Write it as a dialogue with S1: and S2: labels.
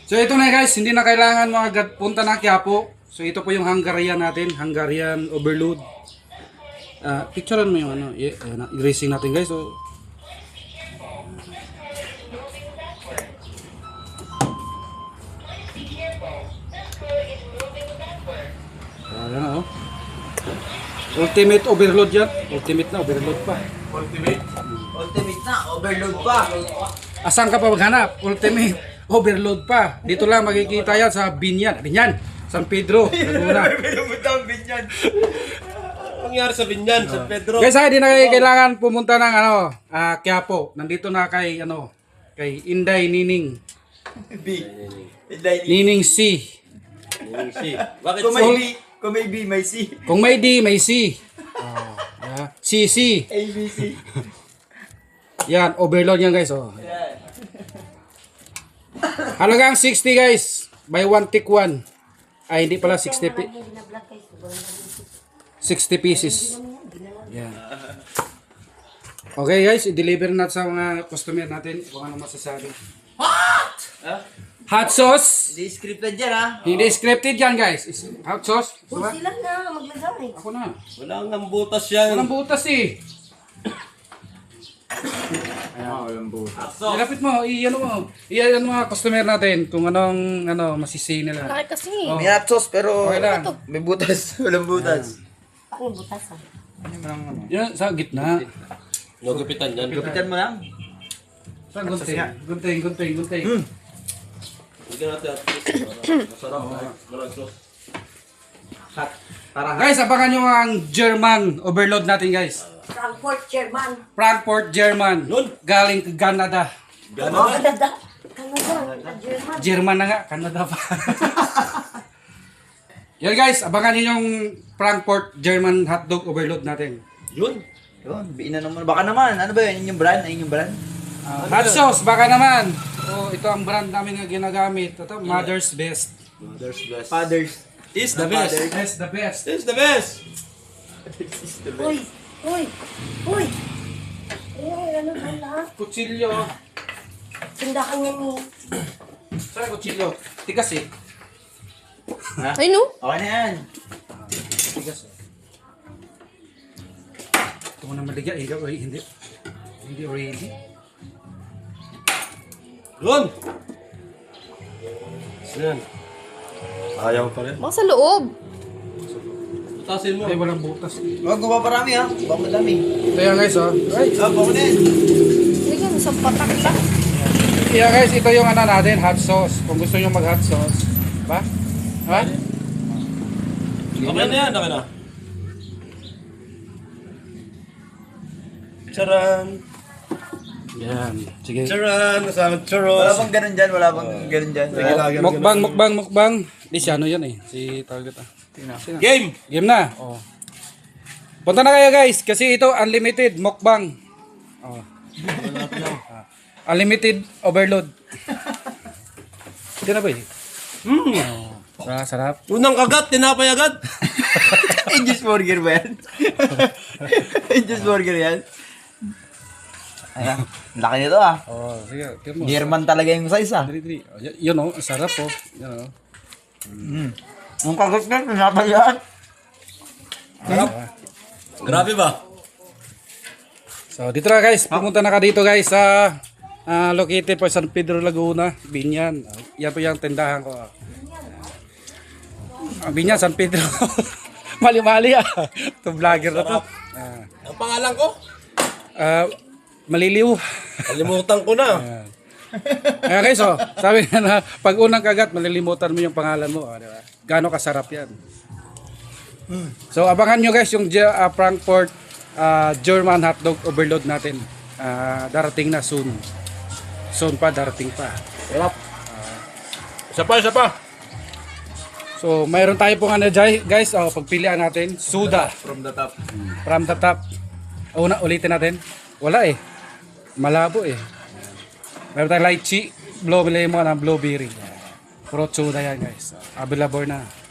S1: So ito na guys, hindi na kailangan mga punta ng Quiapo. So ito po yung Hungarian natin, Hungarian overload. Picturean mo yung ano, i-racing natin guys. So ayan na oh. Ultimate overload yan. Ultimate na, overload pa.
S2: Ultimate na, overload pa.
S1: Asan ka pa maghanap? Ultimate overload pa. Dito lang makikita yan sa Binyan. Binyan, San Pedro, Laguna.
S2: Pinabutang Binyan. Nangyari sa Binyan, San Pedro.
S1: Guys, hindi na kayo kailangan pumunta ng Quiapo. Nandito na kay kay Inday Nining.
S2: B.
S1: Nining C.
S2: Bakit kung may B, may C.
S1: Kung may D, may C. CC.
S2: A, B, C.
S1: Yan, overload yan guys. Oh. Halagang 60 guys. Buy one take one. Ay, hindi pala 60 pieces. Yan. Okay guys, i-deliver na sa mga customer natin kung ano masasabi.
S2: What?
S1: Hot sauce.
S2: Hindi scripted yan ha.
S1: Hindi scripted yan guys. Hot sauce.
S3: Kung sila na maglagay.
S1: Ako na.
S2: Walang nambutas yan.
S1: Walang butas eh.
S2: Walang butas.
S1: Ilapit mo, i-ano mo. I-ano mga customer natin kung anong masisi nila.
S3: Laki kasi.
S1: Oh.
S2: May hot sauce pero
S1: Okay lang.
S2: may butas. Walang butas.
S3: Ako yung butas ah.
S1: Yan, sa gitna.
S4: Nagupitan yan.
S2: Gapitan mo lang.
S1: Sa gunting. Gunting.
S4: Bigyan natin at least. Masarap. Walang sauce.
S2: Hot. Para
S1: Guys, abangan nyo ang German overload natin guys.
S3: Frankfurt, German.
S1: Frankfurt, German.
S4: Yun.
S1: Galing Canada.
S3: Canada. Canada. German.
S1: German na nga, Canada pa. Yan guys, abangan nyo yung Frankfurt, German hotdog overload natin.
S4: Yun.
S2: Yun, biin na naman. Baka naman, ano ba yun? Yung brand? Ayun yung brand?
S1: Hot sauce, baka naman. Oh, ito ang brand namin na ginagamit. Ito, Mother's Best.
S4: Mother's best.
S2: Fathers.
S4: Is the best.
S1: That's the best.
S4: Is the best.
S3: Uy. Uy. Uy. Ano ba na?
S1: Kutsilyo.
S3: Tindakan niya ni...
S1: Saan kutsilyo? Tigas eh.
S3: Ay no?
S2: Okay na yan.
S1: Tigas eh. Ito mo na maligya. Ikaw ay hindi. Hindi ready.
S4: Yun. Yan. Ayaw pa rin.
S3: Baka sa loob.
S4: Tasin mo.
S1: Ay, walang butas.
S2: Huwag mo pa parami ha. Baka madami.
S1: Ito yan guys oh.
S2: Baka na yan.
S3: Hindi ka, sa patak lang.
S1: Yeah guys, ito yung natin, hot sauce. Kung gusto nyo mag hot sauce. Ba? Ha?
S4: Okay na yan. Okay na. Charan.
S1: Yan. Sige.
S4: Charan. Kasama
S2: Wala
S4: churros.
S2: bang ganun dyan? Wala bang ganun dyan? Sige.
S1: Mukbang. Di si ano yan eh. Si target ah. Sino?
S4: Game.
S1: Game na. Oh. Punta na kayo guys kasi ito unlimited mukbang. Oh. Unlimited overload. Ito na ba eh? Sarap.
S4: Unang kagat. Tinapay agad.
S2: Angel's Burger ba yan? Angel's Burger yan? Ayan. Laki nito ah.
S1: Oh, sige. Tignan mo.
S2: German talaga yung size ah.
S1: Dali. Oh, yun oh, sarap oh. Yan oh.
S2: Ang kagat na, tinapay yan.
S4: Grabe ba?
S1: So dito na guys, pumunta na ka dito guys sa located po sa San Pedro Laguna, Binyan. Yan po yung tindahan ko. Binyan, San Pedro. Mali-mali ah. Ito vlogger na to.
S4: Ang pangalan ko?
S1: Maliliw.
S4: Kalimutan ko na.
S1: Kaya guys, oh, sabi nga na pag unang kagat, malilimutan mo yung pangalan mo. Di ba? Gano'ng kasarap yan. So abangan nyo guys yung Frankfurt German hotdog overload natin. Darating na soon. Soon pa, darating pa.
S4: Sarap. Isa pa.
S1: So mayroon tayo pong guys, pagpilian natin. Suda.
S2: From the top.
S1: From the top. Ulitin natin. Wala eh. Malabo eh. Meron tayong lychee, blue lemon, and blueberry. Puro soda yan guys. Available na.